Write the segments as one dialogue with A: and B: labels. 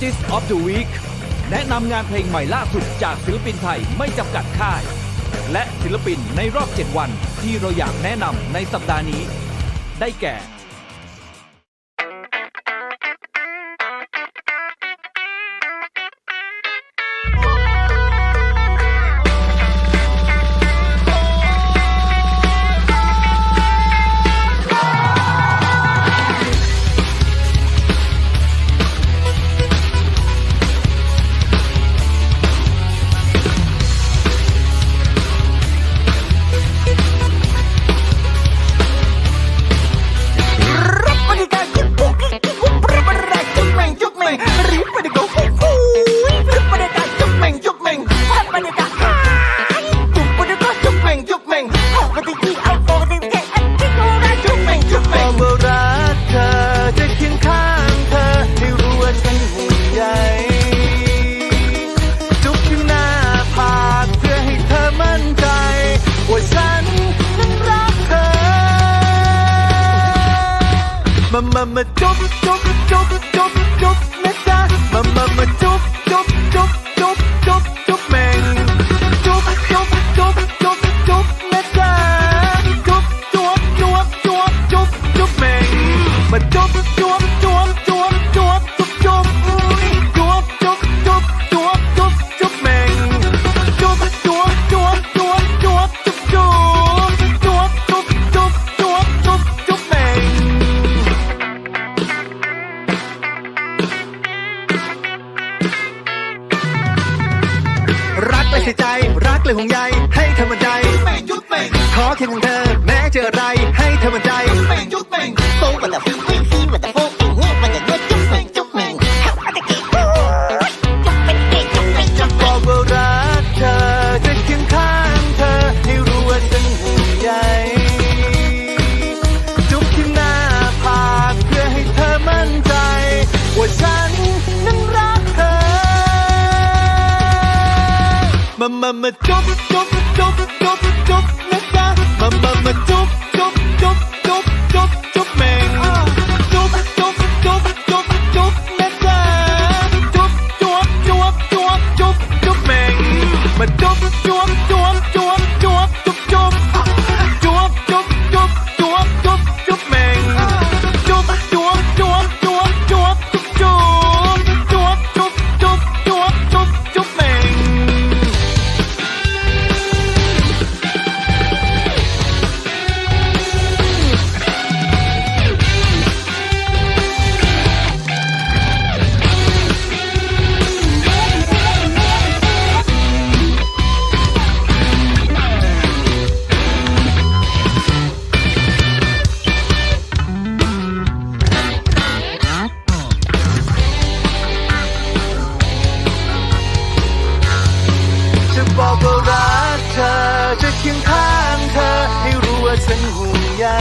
A: Artist of the Week แนะนำงานเพลงใหม่ล่าสุดจากศิลปินไทยไม่จำกัดค่าย และศิลปินในรอบ 7 วันที่เราอยากแนะนำในสัปดาห์นี้ ได้แก่มาจุ๊บจุ๊บจุ๊บจุ๊บจุ๊บนะจ๊ะมาจุ๊บจุ๊บจุ๊บจุ๊บจุ๊บจุ๊บแม่งจุ๊บจุ๊บจุ๊บจุ๊บจุ๊บนะจ๊ะจุ๊บจุ๊บจุ๊บจุ๊บจุ๊บจุ๊บแม่งมาจุ๊บจุ๊บจุ๊บจุ๊บจุ๊บจุ๊บจุ๊บจุ๊บจุ๊บจุ๊บจุ๊บจุ๊บจุ๊บแม่งจุ๊บจุ๊บจุ๊บจุ๊บจุ๊บจุ๊บจุ๊บจุ๊บจุ๊บจุ๊บจุ๊บจุ๊บจุ๊บแม่งรักเลยใส่ใจรักเลยห่วงใยให้เธอมั่นใจขอแค่ของเธอแม้เจออะไรให้เธอมั่นใจโตกว่าแต่ฟีว่าแต่โฟกมันอย่างเงี้ยจุ๊บเม่งจุ๊บเม่งจะบอกว่ารักเธอจะเคียงข้างเธอให้รู้ว่าฉันห่วงใยจุ๊บที่หน้าผากเพื่อให้เธอมั่นใจว่าฉันนั้นรักเธอมาจุ๊บจุ๊บจุ๊บจุ๊บจุ๊บนะจ๊ะมาจุ๊บจุ๊บจุ๊บจุ๊บจุ๊บจุ๊บแม่งจุ๊บจุ๊บจุ๊บจุ๊บจุ๊บนะจ๊ะจุ๊บจุ๊บจุ๊บจุ๊บจุ๊บจุ๊บแม่งมาจุ๊บจุ๊บจุ๊บจุ๊บจุ๊บจุ๊บจุ๊บจุ๊บจุ๊บจุ๊บจุ๊บจุ๊บจุ๊บแม่งจุ๊บจุ๊บจุ๊บจุ๊บจุ๊บจุ๊บจุ๊บจุ๊บจุ๊บจุ๊บจุ๊บจุ๊บจุ๊บแม่งบอกว่ารักเธอจะเคียงข้างเธอให้รู้ว่าฉันห่วงใย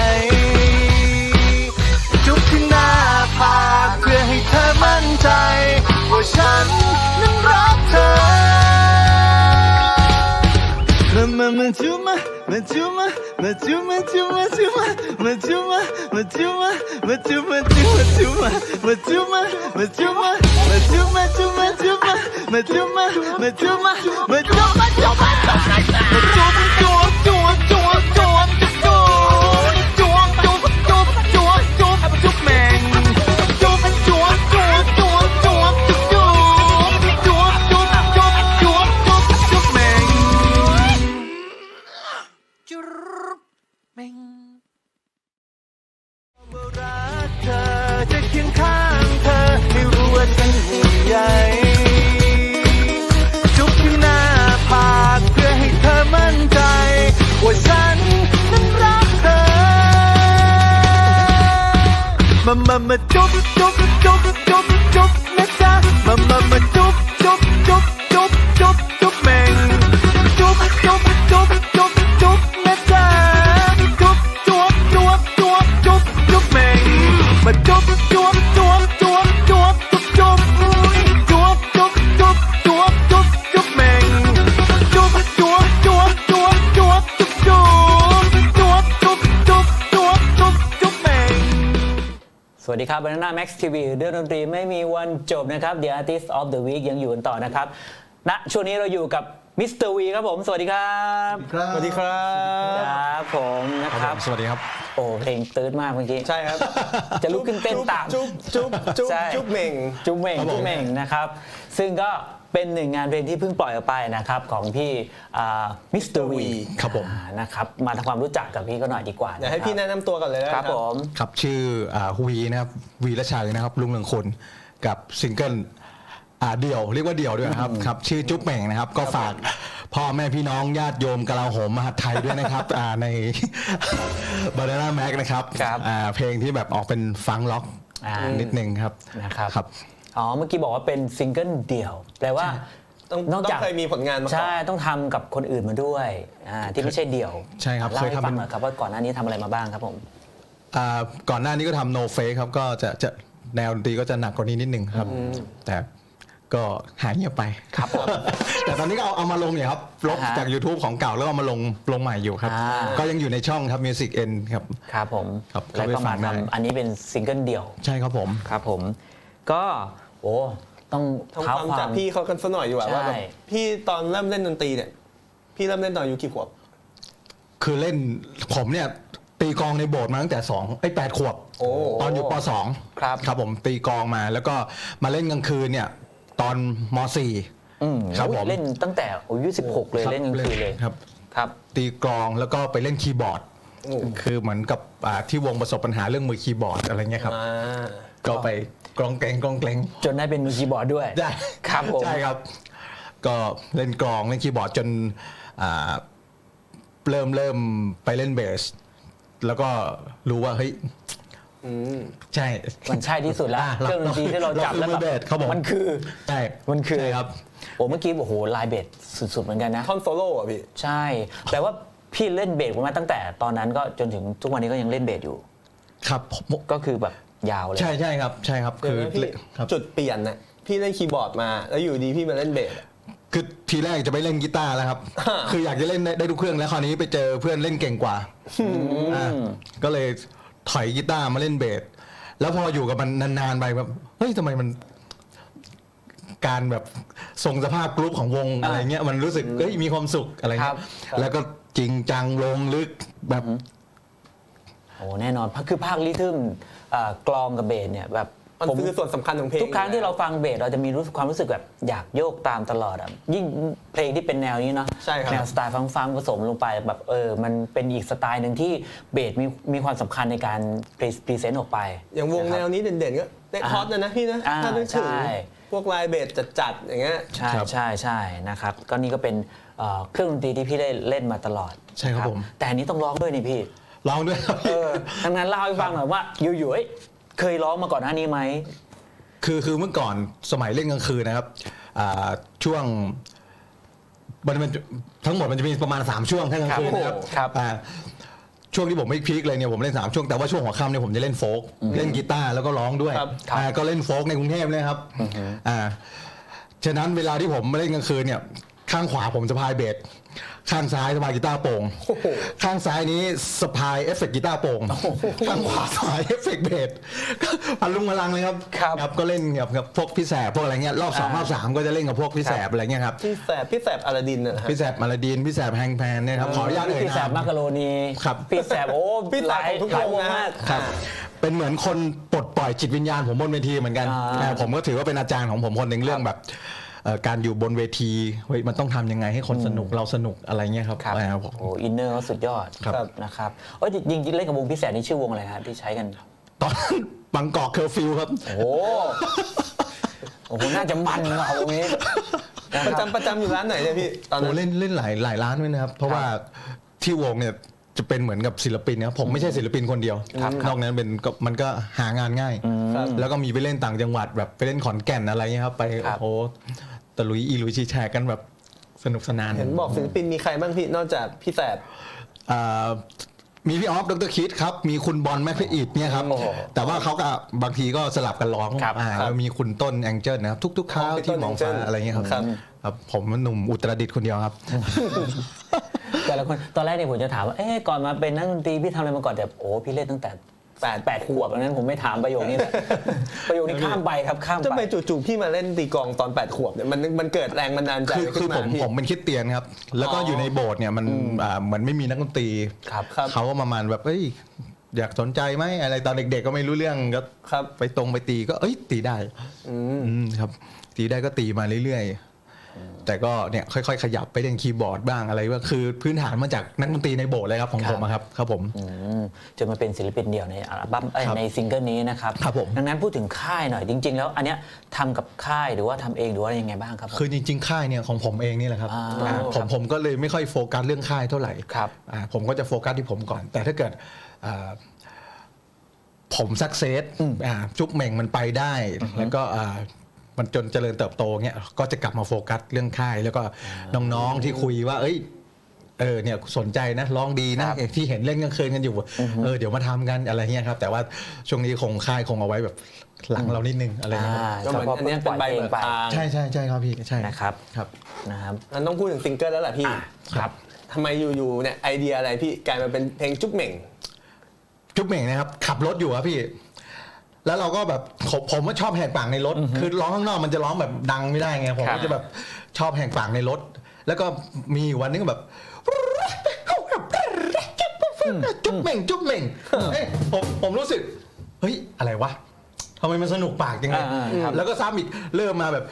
A: จุ๊บที่หน้าผากเพื่อให้เธอมั่นใจว่าฉันนั้นรักเธอมาจุ๊บมาจุ๊บมาจุ๊บมาจุ๊บมาจุ๊บมาจุ๊บมาจุ๊บมาจุ๊บมาจุ๊บมาจุ๊บมาจุ๊บมาจุ๊บมาจุ๊บมาจุ๊บมาจุ๊บมาจุ๊บมาจุ๊บมามาจุ๊บมาจุ๊บมาจุ๊บมาจุ๊บมาจุ๊บมาจุ๊บจุ๊บจุ๊บจุ๊บจุ๊บจุ๊บจุ๊บจุ๊บจุ๊บจุ๊บจุ๊บจุ๊บแม่งจุ๊บจุ๊บจุ๊บจุ๊บจุ๊บจุ๊บจุ๊บจุ๊บจุ๊บจุ๊บจุ๊บจุ๊บจุ๊บแม่งจุ๊บแม่งรักเธอจะเคียงข้างเธอให้รู้ว่าฉันห่วงใยจุ๊บที่หน้าผากเพื่อให้เธอมั่นใจว่าฉันนั้นรักเธอมาจุ๊บจุ๊บจุ๊บจุ๊บจุ๊บนะจ๊ะมาจุ๊บจุ๊บจุ๊บจุ๊บจุ๊บจุ๊บแม่งจุ๊บจุ๊บจุ๊บจุ๊บจุ๊บนะจ๊ะจุ๊บจุ๊บจุ๊บจุ๊บจุ๊บจุ๊บแม่งมาจุ๊บจุ๊บจุ๊บจุ๊บจุ๊บจุ๊บจุ๊บจุ๊บจุ๊บจุ๊บจุ๊บจุ๊บจุ๊บแม่งจุ๊บจุ๊บจุ๊บจุ๊บจุ๊บจุ๊บจุ๊บจุ๊บจุ๊บจุ๊บจุ๊บจุ๊บจุ๊บแม่ง
B: สวัสดีครับ Banana Max TV เรื่องดนตรีไม่มีวันจบนะครับ The Artist of the Week ยังอยู่กันต่อนะครับณช่วงนี้เราอยู่กับมิสเตอร์วีครับผม สวัสดีครับ
C: สวัสดีครับ
B: ครับผมนะครับ
C: สวัสดีครับ
B: โอ้เพลงตื้นมากเมื่อกี้
C: ใช่ครับ
B: จะลุกขึ้นเต้นตาม
C: จุ๊บ
B: ใช่
C: เหม่ง
B: จุ๊บเหม่ง
C: ครับผม
B: จุ๊บเหม่งนะครับ ซึ่งก็เป็นหนึ่งงานเพลงที่เพิ่งปล่อยออกไปนะครับของพี่มิสเตอร์วี
C: ครับผม
B: นะครับมาทำความรู้จักกับพี่ก็หน่อยดีกว่า
C: เดี๋ยวให้พี่แนะนำตัวก่อนเลยนะครับ
B: ผม
D: ครับชื่อวีนะครับวีรชัยนะครับลุงเรืองคนกับซิงเกิลเดี่ยวเรียกว่าเดี่ยวด้วยนะครับครับชื่อจุ๊บเหม่งนะครับก็ฝากพ่อแม่พี่น้องญาติโยมกลาโหมมหาดไทยด้วยนะครับใน Banana Max นะครับ
B: ครับ
D: เพลงที่แบบออกเป็นฟังก์ล็อกนิดนึงครับ
B: นะครับ
D: ครับ
B: อ๋อเมื่อกี้บอกว่าเป็นซิงเกิลเดี่ยวแปลว่า
C: ต้องเคยมีผลงานมาก่อน
B: ใช่ต้องทำกับคนอื่นมาด้วยที่ไม่ใช่เดี่ยว
D: ใช่ครับ
B: เล่า
D: เคย
B: ให้
D: ทำ
B: ฟังหน่อยครับว่าก่อนหน้านี้ทำอะไรมาบ้างครับผม
D: ก่อนหน้านี้ก็ทำ No Fake ครับก็จะแนวดนตรีก็จะหนักกว่านี้นิดนึงครับแต่ก็หายเงียบไป
B: ครับผม
D: แต่ตอนนี้ก็เอามาลงเนี่ยครับลบจาก YouTube ของเก่าแล้วเอามาลงใหม่อยู่ครับ ก็ยังอยู่ในช่องครับ Music N ครับ
B: ครับผม
D: ครับ
B: แล้วก็
D: เข้าไปฟั
B: มาง
D: ได้
B: ทำอันนี้เป็นซิงเกิลเดี่ยว
D: ใช่ครับผม
B: ครับผม ก็โอ้ต้อง
C: ทำ
B: เท้า
C: ความ
B: ควา
C: จาก
B: ม
C: พี่เขากันสักหน่อยดีกว่า
B: ใช่
C: ว่าแบบพี่ตอนเริ่มเล่นดนตรีเนี่ยพี่เริ่มเล่นตอนอายุกี่ขวบ
D: คือเล่นผมเนี่ยตีกลองในโบสถ์มาตั้งแต่8 ขวบ
C: โอ้
D: ตอนอยู่ป .2
B: ครับ
D: ครับผมตีกลองมาแล้วก็มาเล่นกลางคืนเนี่ยตอนม .4 ครับผม
B: เล่นตั้งแต่อายุ16 เลย
D: ครับ
B: เล่นกลางคืนเลย
D: ครับ
B: ครับ
D: ตีกลองแล้วก็ไปเล่นคีย์บอร์ด คือเหมือนกับที่วงประสบปัญหาเรื่องมือคีย์บอร์ดอะไรเงี้ยครับ ก็ไปกลองแกง
B: จนได้เป็นมือคีย์บอร์ดด้วย
D: ได้
B: ครับผม
D: ใช่ครับ ก็เล่นกลองเล่นคีย์บอร์ดจนเริ่มไปเล่นเบส แล้วก็รู้ว่าเฮ้ยใช่
B: มันใช่ที่สุดแล้วเครื่องดนตรีที่เราจับแล้ว
D: มือเบสครับผม
B: มันคือ
D: ใช่
B: มันคือ
D: ใช่ครับ
B: โอ้เมื่อกี้โอ้โหลายเบสสุดๆเหมือนกันนะ
C: ท่อนโซโล่อะพี่
B: ใช่แปลว่าพี่เล่นเบสมาตั้งแต่ตอนนั้นก็จนถึงทุกวันนี้ก็ยังเล่นเบสอยู่
D: ครับผม
B: ก็คือแบบยาวเลย
D: ใช่ครับใช่ครับ
C: คือ
D: คือ
C: พี่
D: ครับ
C: จุดเปลี่ยนน่ะพี่เล่นคีย์บอร์ดมาแล้วอยู่ดีพี่มาเล่นเบสอะ
D: คือทีแรกจะไปเล่นกีตาร์แล้วครับ คืออยากจะเล่นได้ทุกเครื่องแล้วคราวนี้ไปเจอเพื่อนเล่นเก่งกว่าก็เลยถอยกีตาร์มาเล่นเบส แล้วพออยู่กับมันนานๆไปแบบเฮ้ยทำไมมัน การแบบทรงสภาพกรุ๊ปของวงอะไรเงี้ยมันรู้สึกเฮ้ยมีความสุขอะไร
B: ครั
D: เงี้
B: บ
D: ยแล้วก็จริงจังลงลึกแบบ
B: โอ้แน่นอนคือภาคริทึมกลองกับเบสเนี่ยแบบ
C: มัน
B: ผม
C: คือส่วนสำคัญของเพลง
B: ทุกครั้งที่เราฟังเบสเราจะมีความรู้สึกแบบอยากโยกตามตลอดอ่ะยิ่งเพลงที่เป็นแนวนี้เนาะ
C: ใช่ครับ
B: แนวสไตล์ฟังผสมลงไปแบบมันเป็นอีกสไตล์หนึ่งที่เบสมีความสำคัญในการพรีเซนต์ออกไป
C: อย่างวงแนวนี้เด่นๆก็เด็กฮอตนะพี่นะ ถ้านึกถึง
B: ใช่
C: พวกลายเบสจัดๆอย่างเงี้ย
B: ใช่
D: ครับ
B: ใช่นะครับก็นี่ก็เป็นเครื่องดนตรีที่พี่ได้เล่นมาตลอด
D: ใช่ครับผม
B: แต่อันนี้ต้องร้องด้วยนี่พี่
D: ร้องด้วยครับ
B: ดังนั้นเล่าให้ฟังหน่อยว่าอยู่ๆเคยร้องมาก่อนหน้านี้ไหม
D: คือเมื่อก่อนสมัยเล่นกลางคืนนะครับช่วงมันทั้งหมดมันจะมีประมาณ3ช่วงแค่กลางคืนนะครับ
B: ครับ
D: ช่วงที่ผมไม่พีคเลยเนี่ยผมเล่น3ช่วงแต่ว่าช่วงหัวค่ำเนี่ยผมจะเล่นโฟล์กเล่นกีตาร์แล้วก็ร้องด้วย
C: ครับ
D: ก็เล่นโฟล์กในกรุงเทพเลยครับฉะนั้นเวลาที่ผมมาเล่นกลางคืนเนี่ยข้างขวาผมสะพายเบสข้างซ้ายสะพายกีตาร์โปร่งข้างซ้ายนี้สะพายเอฟเฟกต์กีตาร์โปร่งข้างขวาสะพายเอฟเฟกต์เบสพันลุงพลังเลยครับ
B: ครับ
D: ก็เล่นกับพวกพี่แสบพวกอะไรเงี้ยรอบ2รอบ3ก็จะเล่นกับพวกพี่แสบอะไรเงี้ยครับ
C: พี่แสบอลาดินนะฮะ
D: พี่แสบมาลาดีนพี่แสบแฮงแพนเนี่ยครับขออนุญาตเอ่ย
B: พี่แส
D: นา
B: บ
D: ม
B: มักกะโรนี
D: ครับ
B: พี่แสบโอ้
C: พี่แสบของทุกวงนะ
B: มาก
D: ครับเป็นเหมือนคนปลดปล่อยจิตวิญญาณผมบนเวทีเหมือนกันผมก็ถือว่าเป็นอาจารย์ของผมคนหนึ่งเรื่องแบบการอยู่บนเวทีเฮ้ยมันต้องทำยังไงให้คนสนุกเราสนุกอะไรเงี้ยครับ
B: ครับ
D: ผม
B: โอ้อินเนอร์เขาสุดยอด
D: ครับ
B: นะครับจริงๆเล่นกับวงพี่แสบนี่ชื่อวงอะไรครับที่ใช้กัน
D: ตอนบางกอกเคอร์ฟิวครับ
B: โอ้โหน่าจะมันว่ะวงนี้นะค
C: ประ
B: รับ
C: จำอยู่ร้านไหนเนี่ยพี่ตอน
D: โอ้
C: นั้น
D: เล่นหลายร้านด้วยนะครับ เพราะว่าที่วงเนี่ยจะเป็นเหมือนกับศิลปินนะครับผมไม่ใช่ศิลปินคนเดียวนอกนั้นเป็นมันก็หางานง่าย แล้วก็มีไปเล่นต่างจังหวัดแบบไปเล่นขอนแก่นอะไรเงี้ยครับไป
B: ครับ
D: โอ้โหตะลุยอีลุยชีแชร์กันแบบสนุกสนาน
C: เห็นบอกศิลปินมีใครบ้างพี่นอกจากพี่แสบ
D: มีพี่ออฟดรคิดครับมีคุณบอลแมคพอีดเนี่ยครับ
B: โอ้โห
D: แต่ว่าเขาก็บางทีก็สลับกันร้อง
B: ครับ
D: แล้วมีคุณต้นแองเจิลนะครับทุกๆคราว
C: พี่ต้
D: ที่
C: น
D: มอง
C: แองเจิ้
D: ฟ้า
C: ล
D: อะไรเงี้ยครับ
C: ครับ
D: ครับผมหนุ่มอุตรดิตถ์คนเดียวครับ
B: แต่ละคนตอนแรกเนี่ยผมจะถามว่าก่อนมาเป็นนักดนตรีพี่ทำอะไรมาก่อนแต่พี่เล่นตั้งแต่ 8 ขวบดังนั้นผมไม่ถามประโยคนี้ เลยประโยคนี้ข้ามไปครับข้าม
C: จะ
B: ไป
C: ไปจู่ๆพี่มาเล่นตีกลองตอน8 ขวบเนี่ยมันเกิดแรงบันดาลใจ
D: คือ
C: ขึ้นมาพี่
D: ผมเป็นคริสเตียนครับ แล้วก็อยู่ในโบสถ์เนี่ยมันเหมือนไม่มีนักดนตรี
B: ครับ
D: เขาก็ประมาณแบบเอ้ยอยากสนใจไหมอะไรตอนเด็กๆก็ไม่รู้เรื่องก็
C: ครับ
D: ไปตีก็เอ้ยตีได้ครับตีได้ก็ตีมาเรื่อยๆแต่ก็เนี่ยค่อยๆขยับไปเล่นคีย์บอร์ดบ้างอะไรว่าคือพื้นฐานมาจากนักดนตรีในโบสถ์เลยครับของผมอะครับผม
B: จนมาเป็นศิลปินเดี่ยวในอัลบั้ม
D: ครับ
B: ในซิงเกิลนี้นะครับ
D: ครับผม
B: ดังนั้นพูดถึงค่ายหน่อยจริง ๆ แล้วอันเนี้ยทำกับค่ายหรือว่าทำเองหรือว่ายังไงบ้างครับผม
D: คือจริงๆค่ายเนี่ยของผมเองนี่แหละครับ ผมก็เลยไม่ค่อยโฟกัสเรื่องค่ายเท่าไหร่
B: ครับ
D: ผมก็จะโฟกัสที่ผมก่อน แต่ถ้าเกิดผมสักเซสจุ๊บเหม่งมันไปได้ แล้วก็มันจนเจริญเติบโตเงี้ยก็จะกลับมาโฟกัสเรื่องค่าย แล้วก็น้องๆที่คุยว่า เอ้ยเนี่ยสนใจนะร้องดีนะที่เห็นเล่นกลางคืนกันอยู่เดี๋ยวมาทำกันอะไรเงี้ยครับแต่ว่าช่วงนี้คงค่ายคงเอาไว้แบบหลังเรานิดนึงอะไรเงี้ย
C: ก็เหมือนอันเนี้ยเป็นใบเบิกทาง
D: ใช่ครับพี่ใช่
B: นะครับ
D: ครับ
B: นะครับ
C: มันต้องพูดถึงซิงเกิลแล้วแหละพี่
B: ครับ
C: ทำไมอยู่ๆเนี่ยไอเดียอะไรพี่กลายมาเป็นเพลงจุ๊บเหม่ง
D: จุ๊บเหม่งนะครับขับรถอยู่ครับพี่ แล้วเราก็แบบผมก็ชอบแหกปากในรถ คือร้องข้างนอกมันจะร้องแบบดังไม่ได้ไงผม
B: ครับ
D: ก็จะแบบชอบแหกปากในรถ แล้วก็มีวันนึงก็แบบจุ๊บเหม่งเอ้ยผมรู้สึกเฮ้ยอะไรวะทำไมมันสนุกปากจังเลยแล้วก็ซ้ำอีกเริ่มมาแบบ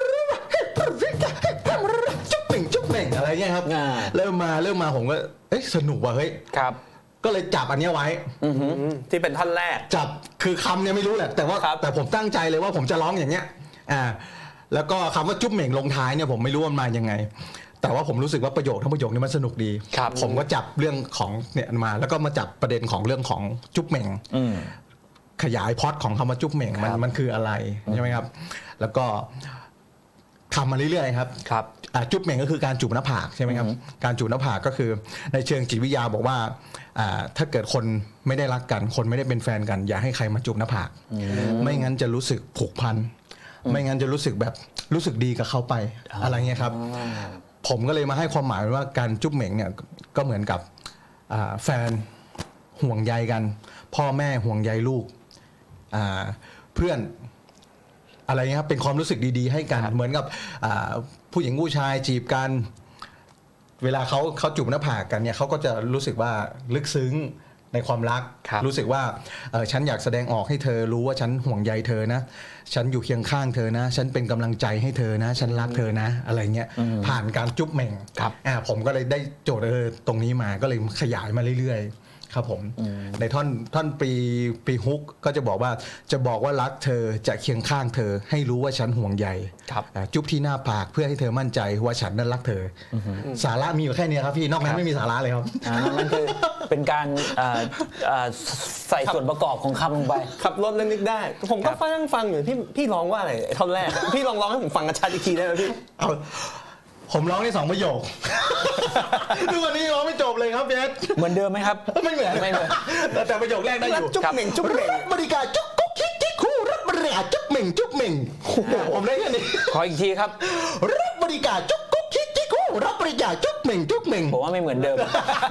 D: จุ๊บเหม่งอะไรเงี้ยครับเริ่มมาผมก็เอ้ยสนุกว่ะเฮ้ย
B: ครับ
D: ก็เลยจับอันเนี้ยไว้
C: ที่เป็นท่อนแรก
D: จับคือคำเนี่ยไม่รู้แหละแต่ว่า
C: ครับ
D: แต่ผมตั้งใจเลยว่าผมจะร้องอย่างเงี้ยแล้วก็คำว่าจุ๊บเหม่งลงท้ายเนี่ยผมไม่รู้มันมายังไง แต่ว่าผมรู้สึกว่าประโยคทั้งประโยคนี้มันสนุกดี
B: ครับ
D: ผมก็จับเรื่องของเนี่ยมา แล้วก็มาจับประเด็นของเรื่องของจุ๊บเหม่งขยายพล็อตของคำว่าจุ๊บเหม่งมันคืออะไรใช่ไหมครับ แล้วก็ทำมาเรื่อยๆครับ
B: ครับ
D: จุ๊บเหม่งก็คือการจูบหน้าผากใช่ไหมครับการจูบหน้าผากก็คือในเชิงจิตวิทยาบอกว่าถ้าเกิดคนไม่ได้รักกันคนไม่ได้เป็นแฟนกัน อย่าให้ใครมาจูบหน้าผากไม่งั้นจะรู้สึกผูกพันไม่งั้นจะรู้สึกแบบรู้สึกดีกับเขาไปอะไรเงี้ยครับผมก็เลยมาให้ความหมายว่าการจุ๊บเหม่งเนี่ยก็เหมือนกับแฟนห่วงใยกัน พ่อแม่ห่วงใยลูกเพื่อนอะไรเงี้ยครับเป็นความรู้สึกดีๆให้กันเหมือนกับผู้หญิงผู้ชายจีบกันเวลาเขาจูบหน้าผากกันเนี่ยเขาก็จะรู้สึกว่าลึกซึ้งในความรัก รู้สึกว่าฉันอยากแสดงออกให้เธอรู้ว่าฉันห่วงใยเธอนะฉันอยู่เคียงข้างเธอนะฉันเป็นกำลังใจให้เธอนะฉันรักเธอนะอะไรเงี้ยผ่านการจุ๊บเหม่งผมก็เลยได้โจทย์ตรงนี้มาก็เลยขยายมาเรื่อยๆครับผมในท่อนปีฮุกก็จะบอกว่ารักเธอจะเคียงข้างเธอให้รู้ว่าฉันห่วงใยจุ๊บที่หน้าผากเพื่อให้เธอมั่นใจว่าฉันนั้นรักเธอสาระมีอยู่แค่นี้ครับพี่นอกนั้นไม่มีสาระเลยครับ
B: นั่นคือเป็นการใส่ส่วนประกอบของคำลงไป
C: ขับรถแล้วนึกได้ ผมก็ฟังอยู่พี่ร้องว่าอะไรท่อนแรก พี่ลองร้องให้ผมฟังกระชัดอีกทีได้ไหมพี่
D: ผมร้องได้2 ประโยค ดูวันนี้ร้องไม่จบเลยครับเบส
B: เหมือนเดิมไหมครับ
D: ไม่เหมือน
B: ไม่เหมือน
D: แต่ประโยคแรกได้อยู่
C: จุ๊บเหม่งจุ๊บเหม่ง
D: บริการจุ๊บกุ๊กคิกคิกคู่รับบริการจุ๊บเหม่งจุ๊บเหม่งผมได้แค่นี้
B: ขออีกทีครับ
D: รับบริการจุ๊บกุ๊กคิกคิกคู่รับบริการจุ๊บเหม่งจุ๊บเหม่ง
B: ผมว่าไม่เหมือนเดิม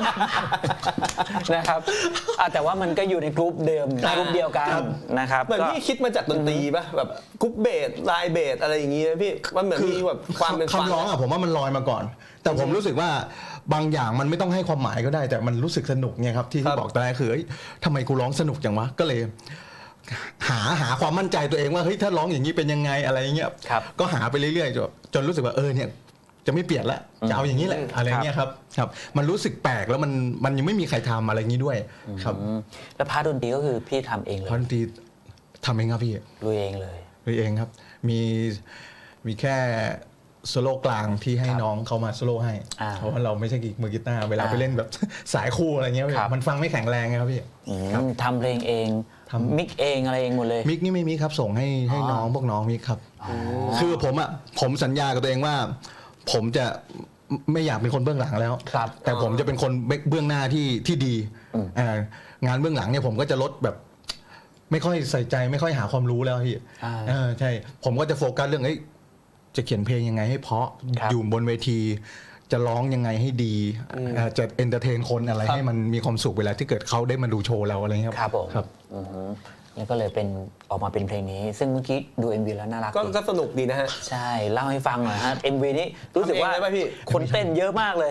B: นะครับแต่ว่ามันก็อยู่ในกรุ๊ปเดิมกรุ๊ปเดียวกันนะครับ
C: เหมือนพี่คิดมาจากดนตรีป่ะแบบกรุ๊ปเบสลายเบสอะไรอย่างงี้นะพี่มันเหมือนมีแบบความเป็นฟัง
D: คำร้องผมว่ามันลอยมาก่อน แต่ผมรู้สึกว่าบางอย่างมันไม่ต้องให้ความหมายก็ได้ แต่มันรู้สึกสนุกไงครับที่บอกตอนแรกคือทำไมกูร้องสนุกจังวะก็เลยหาความมั่นใจตัวเองว่าเฮ้ยถ้าร้องอย่างนี้เป็นยังไงอะไรเงี้ยก็หาไปเรื่อยๆจนรู้สึกว่าเนี่ยจะไม่เปลี่ยนละจะเอาอย่างนี้แหละอะไรเงี้ยครับมันรู้สึกแปลกแล้วมันยังไม่มีใครทำอะไรอย่างนี้ด้วยครับ
B: แล้วพาร์ทดนตรีก็คือพี่ทำเองเลย
D: พาร์ทดนตรีทำเองครับพี่
B: ลุยเองเลย
D: ลุยเองครับมีแค่โซโล่กลางที่ให้น้องเขามาโซโล่ให้เพราะว่าเราไม่ใช่มือกีตาร์เวลาไปเล่นแบบสายคู่อะไรเงี้ยมันฟังไม่แข็งแรงไงครับพี่
B: ทำเพลงเองมิกเองอะไรเองหมดเลย
D: มิกนี่ไม่มีครับส่งให้น้องพวกน้องมิกครับคือผมสัญญากับตัวเองว่าผมจะไม่อยากเป็นคนเบื้องหลังแล้วแต่ผมจะเป็นคนเบื้องหน้าที่ดีงานเบื้องหลังเนี่ยผมก็จะลดแบบไม่ค่อยใส่ใจไม่ค่อยหาความรู้แล้วพี่ใช่ผมก็จะโฟกัสเรื่องจะเขียนเพลงยังไงให้เพราะอยู่บนเวทีจะร้องยังไงให้ดีจะเอนเตอร์เทนคนอะไรให้มันมีความสุขเวลาที่เกิดเขาได้มาดูโชว์เราอะไรเงี้ย
B: ครับผม
D: ครับ
B: อือฮึแล้วก็เลยเป็นออกมาเป็นเพลงนี้ ซึ่งเมื่อกี้ดู MV แล้วน่ารัก
C: ก็
B: ดี
C: ก็สนุกดีนะฮะ
B: ใช่เล่าให้ฟังหน่อยฮะ MV นี้รู้สึกว่า
C: ทำเองได้ไหมพี่
B: คนเต้นเยอะมากเลย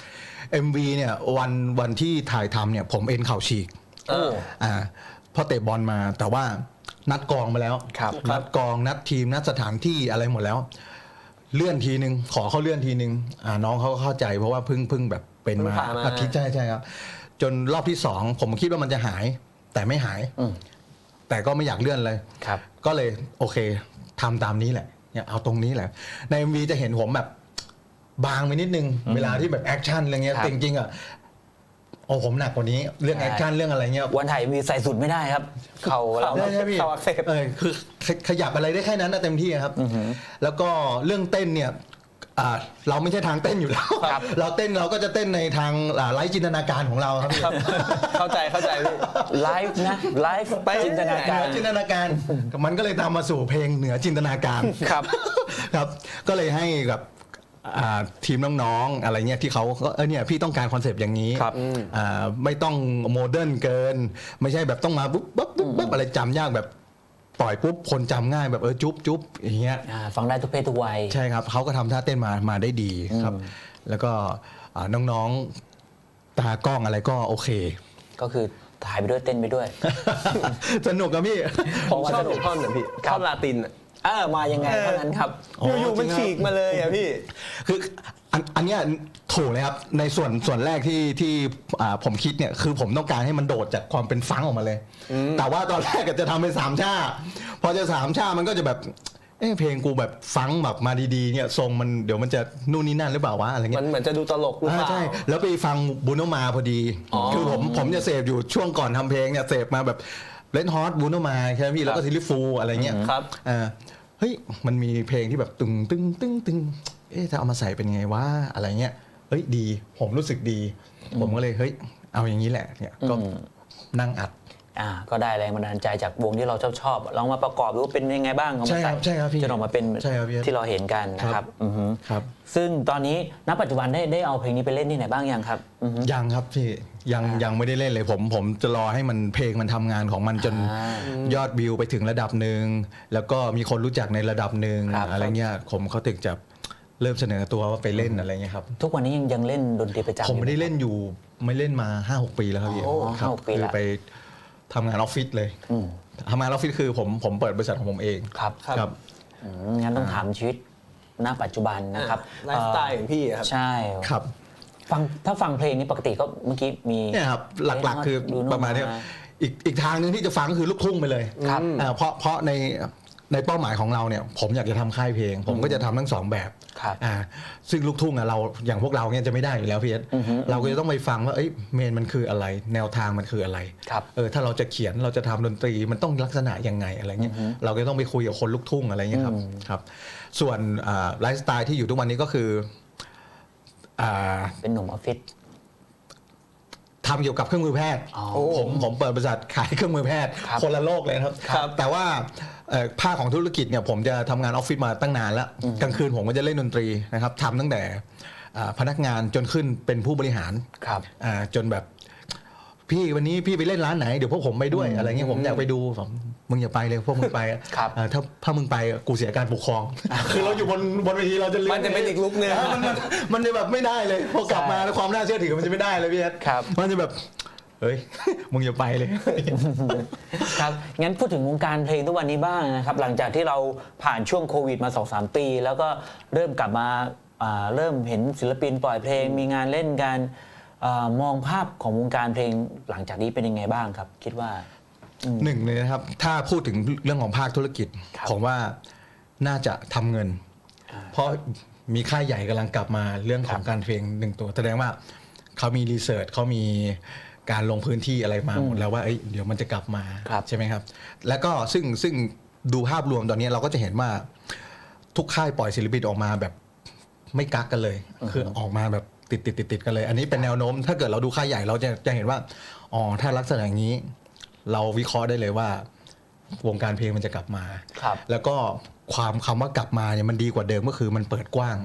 D: MV เนี่ยวันที่ถ่ายทำเนี่ยผมเอ็นเข่าฉีก พอเตะบอลมาแต่ว่านัดกองมาแล้ว
B: ครับ
D: นัดกองนัดทีมนัดสถานที่อะไรหมดแล้ว เลื่อนทีนึงขอเขาเลื่อนทีนึงน้องเขาก็เข้าใจเพราะว่าเพิ่งแบบเป็นมา
C: เพิ่งผ่านมา
D: อาทิตย์ใช่ครับจนรอบที่2ผมคิดว่ามันจะหายแต่ไม่หาย แต่ก็ไม่อยากเลื่อนเลย
B: ครับ
D: ก็เลยโอเคทำตามนี้แหละเนี่ยเอาตรงนี้แหละใน MV จะเห็นผมแบบบางไปนิดนึงเวลาที่แบบแอคชั่นอะไรเงี้ย
B: ครับ
D: จริงๆอ่ะโอ้ผมหนักกว่านี้เรื่อง
B: ใช่
D: แอคชั่นเรื่องอะไรเงี้ย
B: วันถ่ายมีใส่สุดไม่ได้ครับ เข่าเรา
D: ได้ใช่พี่
C: เข่าอักเสบ
D: คือขยับอะไรได้แค่นั้นนะเต็มที่ครับ แล้วก็เรื่องเต้นเนี่ยเราไม่ใช่ทางเต้นอยู่แล้ว
B: ครับ
D: เราเต้นเราก็จะเต้นในทางไร้จินตนาการของเราครับพี่
C: ครับเข้าใจพี่
B: ไลฟ์นะไลฟ์ไปจินตนา
D: เห
B: การ
D: นือจินตนาการมันก็เลยตามมาสู่เพลงเหนือจินตนาการ
B: ครับ
D: ครับ ก็เลยให้กับทีมน้องๆอะไรเงี้ยที่เขาก็เนี่ยพี่ต้องการคอนเซปต์อย่างนี้
B: ครับ
D: ไม่ต้องโมเดิร์นเกิน ไม่ใช่แบบต้องมาปุ๊บปุ๊บปุ๊บปุ๊บอะไรจำยากแบบปล่อยปุ๊บคนจำง่ายแบบจุ๊บจุ๊บอย่างเงี้ย
B: ฟังได้ทุกเพศทุกวัย
D: ใช่ครับเขาก็ทำท่าเต้นมาได้ดีครับ แล้วก็น้องๆตากล้องอะไรก็โอเค
B: ก็คือถ่ายไปด้วยเต้นไปด้วย
D: สนุกครับพี่
C: ผมชอบท่อนน่ะพี่
B: ครับ
C: ท่อนลาตินอะ
B: มายังไงเท่านั้นครับ
C: อยู่ๆมันฉีกมาเลยอะพี่
D: คืออันเนี้ยถูกเลยครับในส่วนแรกที่ผมคิดเนี่ยคือผมต้องการให้มันโดดจากความเป็นฟังก์ออกมาเลย แต่ว่าตอนแรกก็จะทำเป็น3 ชาพอจะ3 ชามันก็จะแบบเพลงกูแบบฟังก์แบบมาดีๆเนี่ยทรงมันเดี๋ยวมันจะนู่นนี่นั่นหรือเปล่าวะอะไรเงี้
C: มัน
D: ย
C: เหมือนจะดูตลกหรือเปล่า
D: ใช่แล้วไปฟังบูโนมาพอดี คือผมจะเสพอยู่ช่วงก่อนทำเพลงเนี่ยเสพมาแบบเลนฮอตบูโนมาใช่ไหมพี่แล้วก็ซิลิฟูอะไรเงี้ย
C: ครับ
D: เฮ้ยมันมีเพลงที่แบบตึงตึงตึงตึงจะเอามาใส่เป็นไงวะอะไรเงี้ยเฮ้ยดีผมรู้สึกดี ผมก็เลยเฮ้ยเอาอย่างนี้แหละเนี่ยก็นั่งอัด
B: ก็ได้แรงบันดาลใจจากวงที่เราชอบลองมาประกอบดูว่าเป็นยังไงบ้างเอามา
D: ใช่ครับใช่ครับพี่
B: จนออกมาเป็น
D: ใช่ครับพี่
B: ที่เราเห็นกันนะครับอือฮึ
D: ครับ
B: ซึ่งตอนนี้ณปัจจุบันได้เอาเพลงนี้ไปเล่นที่ไหนบ้างยังครับอือฮึ
D: ยังครับพี่ยังไม่ได้เล่นเลยผมจะรอให้มันเพลงมันทำงานของมันจนยอดวิวไปถึงระดับหนึ่งแล้วก็มีคนรู้จักในระดับหนึ่ง
B: ครับ
D: อะไรเงี้ยผมเขาถึงจะเริ่มเสนอตัวว่าไปเล่นอะไรเงี้ยครับ
B: ทุกวันนี้ยังเล่นดนตรีประจำ
D: ผมไม่ได้
B: อยู่ห
D: เล่นอยู่ไม่เล่นมา 5-6 ปีแล้วครับพี่
B: โอ้
D: ครับ
B: 5-6 ปี
D: คือ
B: ละ
D: ไปทำงานออฟฟิศเลยทำงานออฟฟิศคือผมเปิดบริษัทของผมเอง
B: ครับ
D: ครับ
B: งั้นต้องถามชีวิตณปัจจุบันนะครับ
C: ไลฟ์สไตล์ของพี่อะครับ
B: ใช่
D: ครับ
B: ถ้าฟังเพลงนี้ปกติก็เมื่อกี้มี
D: เนี่ยครับหลักๆคือ
B: ดูโน่
D: ประมาณเนี้ยอีกทางหนึงที่จะฟังก็คือลูกทุ่งไปเลย
B: ครับ
D: เพราะในเป้าหมายของเราเนี่ยผมอยากจะทำค่ายเพลง ผมก็จะทำทั้งสองแบบ
B: ครับ
D: ซึ่งลูกทุ่งเราอย่างพวกเราเนี่ยจะไม่ได้อยู่แล้วพี่เอสเราก็จะต้องไปฟังว่าเมนมันคืออะไร แนวทางมันคืออะไร
B: ครับ
D: ถ้าเราจะเขียนเราจะทำดนตรีมันต้องลักษณะยังไงอะไรเงี้ยเราก็ต้องไปคุยกับคนลูกทุ่งอะไรเงี้ยครับส่วนไลฟ์สไตล์ที่อยู่ทุกวันนี้ก็คืออ่า
B: เป็นหนุ่มออฟฟิศ
D: ทำเกี่ยวกับเครื่องมือแพทย์
B: อ๋อ
D: ผมเปิดบริษัทขายเครื่องมือแพทย์
B: ครับ
D: คนละโลกเลยนะครับ
C: ครับ
D: แต่ว่าภาคของธุรกิจเนี่ยผมจะทำงานออฟฟิศมาตั้งนานแล้วกลางคืนผมก็จะเล่นดนตรีนะครับทำตั้งแต่พนักงานจนขึ้นเป็นผู้บริหาร
B: ครับ
D: จนแบบพี่วันนี้พี่ไปเล่นร้านไหนเดี๋ยวพวกผมไปด้วยอะไรเงี้ยผมอยากไปดูผมมึงอย่าไปเลยพวกมึงไป
B: ครับ
D: ถ้ามึงไปกูเสียการปกครอง คือเราอยู่บนเวทีเราจะเลื
C: มันจะเป็นอีกลุคนึง
D: มันจะแบบไม่ได้เลยพอกลับมาแล้วความน่าเชื่อถือมันจะไม่ได้เลยพี่เอส
B: ครับ
D: มันจะแบบเฮ้ย มึงอย่าไปเลย
B: ครับ งั้นพูดถึงวงการเพลงทุกวันนี้บ้างนะครับ หลังจากที่เราผ่านช่วงโควิดมา 2-3 ปี แล้วก็เริ่มกลับมาเริ่มเห็นศิลปินปล่อยเพลง มีงานเล่นกันมองภาพของวงการเพลงหลังจากนี้เป็นยังไงบ้างครับ คิดว่า
D: หนึ่งเลยนะครับ ถ้าพูดถึงเรื่องของภาคธุรกิจ
B: ครับ
D: ผมว่าน่าจะทำเงิน เพราะมีค่ายใหญ่กำลังกลับมาเรื่องของการเพลงหนึ่งตัวแสดงว่าเขามีรีเสิร์ชเขามีการลงพื้นที่อะไรมาหมดแล้วว่าเดี๋ยวมันจะกลับมา
B: ครับ
D: ใช่ไหมครับ แล้วก็ซึ่งดูภาพรวมตอนนี้เราก็จะเห็นว่าทุกค่ายปล่อยศิลปินออกมาแบบไม่กักกันเลย คือออกมาแบบติดกันเลย อันนี้เป็นแนวโน้ม ถ้าเก เกิดเราดูค่ายใหญ่เราจะเห็นว่าอ๋อถ้าลักษณะอย่างนี้ เราวิเคราะห์ได้เลยว่าวงการเพลงมันจะกลับมา
B: ครับ
D: แล้วก็คำว่ากลับมาเนี่ยมันดีกว่าเดิมก็คือมันเปิดกว้าง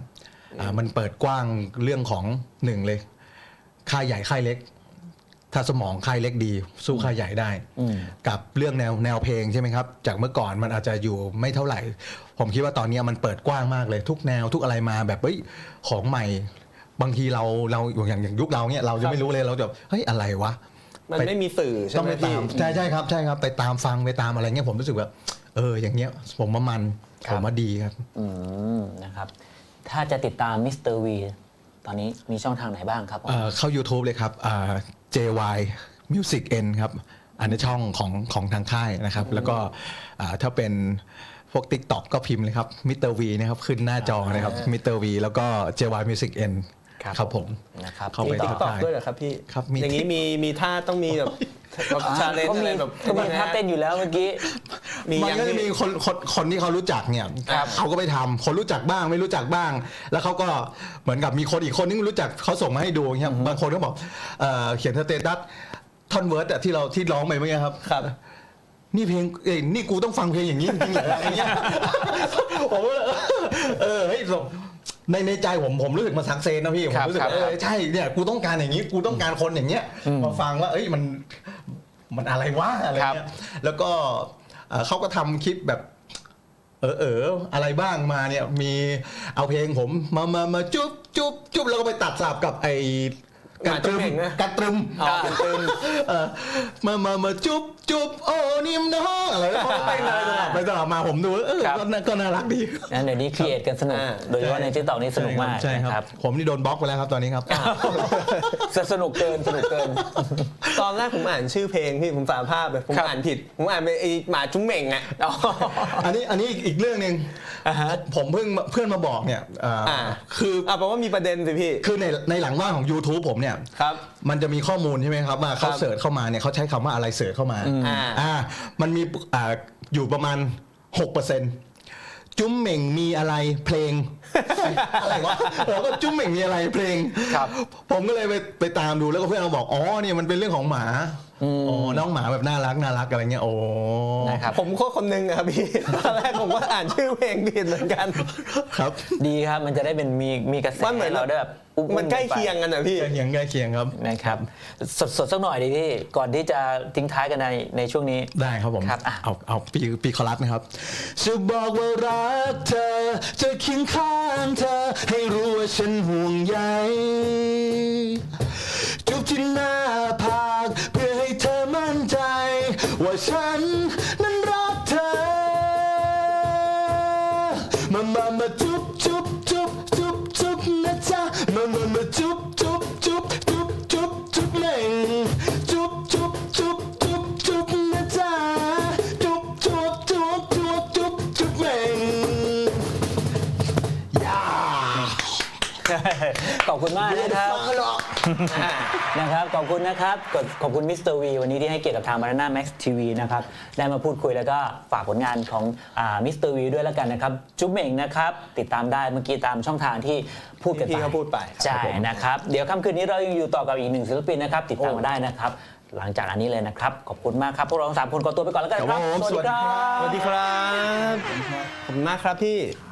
D: มันเปิดกว้างเรื่องของหนึ่งเลยค่ายใหญ่ค่ายเล็ก ถ้าสมองค่ายเล็กดีสู้ค่ายใหญ่ได้ กับเรื่องแนวเพลงใช่ไหมครับจากเมื่อก่อนมันอาจจะอยู่ไม่เท่าไหร่ ผมคิดว่าตอนนี้มันเปิดกว้างมากเลยทุกแนวทุกอะไรมาแบบเฮ้ยของใหม่บางทีเราอย่างยุคเราเนี่ยเราจะไม่รู้เลยเราจะเฮ้ยอะไรวะ
C: มันไม่มีสื่อใช่
D: ต้อง
C: ไหม
D: ไป
C: พี่
D: ตามใช่ครับไปตามฟังไปตามอะไรเงี้ยผมรู้สึกว่าอย่างเงี้ยผมว่ามันผมว่าดีครับ
B: นะครับถ้าจะติดตามมิสเตอร์วีตอนนี้มีช่องทางไหนบ้างครับผม
D: เข้า YouTube เลยครับJY Music N ครับอันนี้ช่องของทางค่ายนะครับแล้วก็ถ้าเป็นพวก TikTok ก็พิมพ์เลยครับมิสเตอร์วีนะครับขึ้นหน้าจอนะครับมิสเตอร์วีแล้วก็ JY Music N ครับผม
B: นะครับ
D: เข้า
C: มี
D: ไป
C: ติ๊ก
D: ติด
C: ต็อก
D: ตาม
C: ด้วยเหรอครับพี่
D: ครับมี
C: อย่างนี้มีท่าต้องมีแบบชาเลนจ์อะไรแบบ
B: ก็มีท่าเต้นอยู่แล้วเมื่อกี้
D: มัน
C: ยัง
D: ก็จะมี
C: พี่
D: คนที่เขารู้จักเนี่ย
C: ครับ
D: เขาก็ไปทำคนรู้จักบ้างไม่รู้จักบ้าง แล้วเขาก็เหมือนกับมีคนอีกคนนึงรู้จักเขาส่งมาให้ดูเนี่ยบางคนก็บอกเขียนสเตตัสท่อนเวิร์ดที่ร้องไปเมื่อกี้ครับ
C: ครับ
D: นี่เพลงนี่กูต้องฟังเพลงอย่างนี้จริงๆเหรออะไรเงี้ยผมก็เฮ้ยในใจผมรู้สึกมันซักเซนนะพี่ผมรู้สึกว่าใช่เนี่ยกูต้องการอย่างนี้กูต้องการคนอย่างเงี้ยมาฟังว่ามันอะไรวะอะไรเงี้ยแล้วก็เขาก็ทำคลิปแบบอะไรบ้างมาเนี่ยมีเอาเพลงผมมาจุ๊บแล้วก็ไปตัดสลับกับไอการตรึมมาจุ๊บโอ้นิ่มน้องอะไรแล้วไปสลับมาผมดูก็น่ารักดี
B: งั้นเดี๋ยวนี้ครีเอทกันสนุกโดยเฉพาะในทิกตอกนี่สนุกมาก
D: ใช่
B: นะ
D: ค
B: ค
D: รั
B: รั
D: บบ ผมนี่โดนบล็อกไปแล้วครับตอนนี้ครับ
B: สนุกเกิน
C: ตอนแรกผมอ่านชื่อเพลงพี่ผมสารภาพเลยผมอ่านผิดผมอ่านไปไอหมาจุ้งเหม่งอ่ะ
D: อันนี้อีกเรื่องหนึ่งผมเพื่อนมาบอกเนี่ยคือ
C: แปลว่ามีประเด็นสิพี่
D: คือในหลังว่างของ YouTube ผมเนี่ย
C: ครับ
D: มันจะมีข้อมูลใช่ไหมครับว่าเขา
C: ครับ
D: เสิร์ชเข้ามาเนี่ยเขาใช้คำว่าอะไรเสิร์ชเข้ามามันมีอยู่ประมาณ 6%จุ้มเหม่งมีอะไรเพลง อะไรวะเราก็จุ้มเหม่งมีอะไรเพลง
B: ครับ
D: ผมก็เลยไปตามดูแล้วก็เพื่อนเราบอกอ๋อเนี่ยมันเป็นเรื่องของหมาอ๋อน้องหมาแบบน่ารักอะไรเงี้ยโอ้
B: นะครับ
C: ผมก็คนนึงอะครับพี่ ตอนแรกผมก็อ่านชื่อเพลงผิดเหมือนกัน
D: ครับ
B: ดีครับมันจะได้เป็นมีกระแส
C: มันเหมือน
B: ให้เราได้แบบอุ้มๆ
C: มันใกล้เคียงกันอะพี่
D: ใกล้เคียงครับ
B: นะครับสดสักหน่อยดีพี่ก่อนที่จะทิ้งท้ายกันในช่วงนี้
D: ได้ครับผม
B: ครับ
D: เอาปีคอรัสนะครับจะบอกว่ารักเธอจะเคียงข้างเธอให้รู้ว่าฉันห่วงใยจูบที่หน้าผากเพื่อให้เธอมั่นใจว่าฉันนั้นรักเธอมาจุ๊บนะจ๊ะมาจุ๊บเหม่งจุ๊บนะจ๊ะจุ๊บเหม่งย่า
B: ขอบคุณมากนะครับนะครับขอบคุณนะครับขอบคุณมิสเตอร์วีวันนี้ที่ให้เกียรติกับทาง Banana Max TV นะครับได้มาพูดคุยแล้วก็ฝากผลงานของมิสเตอร์วีด้วยแล้วกันนะครับจุ๊บเหม่งนะครับติดตามได้เมื่อกี้ตามช่องทางที่พูดกันไป
C: พี่เขาพูดไป
B: ใช่นะครับเดี๋ยวค่ำคืนนี้เรายังอยู่ต่อกับอีกหนึ่งศิลปินนะครับติดตามมาได้นะครับหลังจากอันนี้เลยนะครับขอบคุณมากครับพวกเราทั้ง3 คนขอตัวไปก่อนแล้วกันครับ
D: ครับผม
B: สวัสดีครับ
C: สวัสดีครับ ขอบคุณมากครับพี่